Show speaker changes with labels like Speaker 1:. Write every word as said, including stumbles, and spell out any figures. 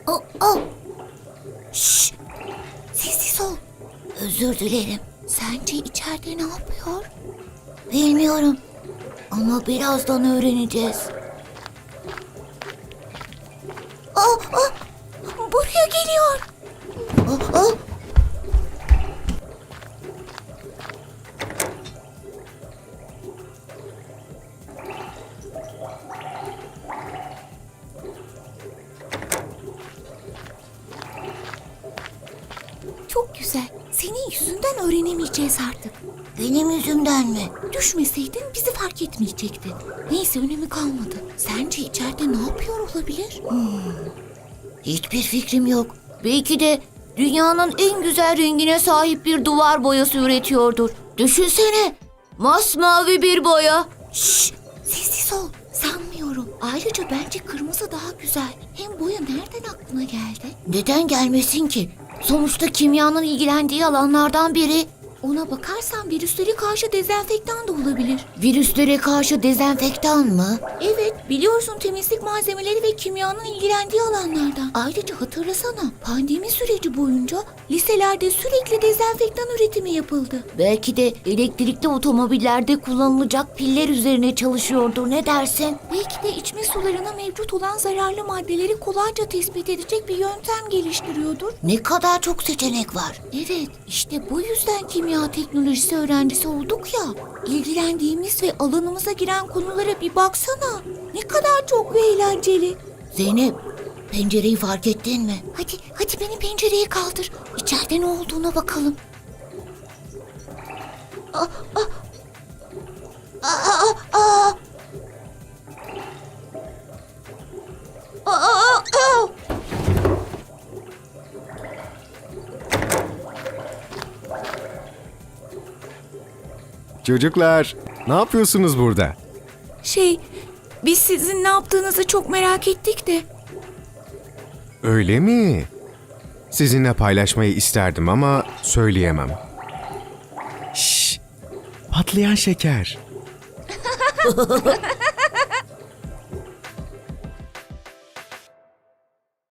Speaker 1: Oh, oh. Şşş. Sessiz ol. Özür dilerim. Sence içeride ne yapıyor? Bilmiyorum. Ama birazdan öğreneceğiz. Oh, oh. Buraya geliyor. Oh, oh. Çok güzel. Senin yüzünden öğrenemeyeceğiz artık. Benim yüzümden mi? Düşmeseydin bizi fark etmeyecekti. Neyse, önemi kalmadı. Sence içeride ne yapıyor olabilir? Hmm. Hiçbir fikrim yok. Belki de dünyanın en güzel rengine sahip bir duvar boyası üretiyordur. Düşünsene. Masmavi bir boya. Şşş, sessiz ol. Sanmıyorum. Ayrıca bence kırmızı daha güzel. Hem boya nereden aklına geldi? Neden gelmesin ki? Sonuçta kimyanın ilgilendiği alanlardan biri. Ona bakarsan virüslere karşı dezenfektan da olabilir. Virüslere karşı dezenfektan mı? Evet, biliyorsun temizlik malzemeleri ve kimyanın ilgilendiği alanlardan. Ayrıca hatırlasana, pandemi süreci boyunca liselerde sürekli dezenfektan üretimi yapıldı. Belki de elektrikli otomobillerde kullanılacak piller üzerine çalışıyordur, ne dersin? Belki de içme sularına mevcut olan zararlı maddeleri kolayca tespit edecek bir yöntem geliştiriyordur. Ne kadar çok seçenek var. Evet, işte bu yüzden kimya teknolojisi öğrencisi olduk ya. İlgilendiğimiz ve alanımıza giren konulara bir baksana. Ne kadar çok ve eğlenceli. Zeynep, pencereyi fark ettin mi? Hadi, hadi beni pencereye kaldır. İçeride ne olduğuna bakalım. Ah, ah. Ah, ah, ah. Ah, ah, ah.
Speaker 2: Çocuklar, ne yapıyorsunuz burada?
Speaker 3: Şey, biz sizin ne yaptığınızı çok merak ettik de.
Speaker 2: Öyle mi? Sizinle paylaşmayı isterdim ama söyleyemem. Şşş! Patlayan şeker.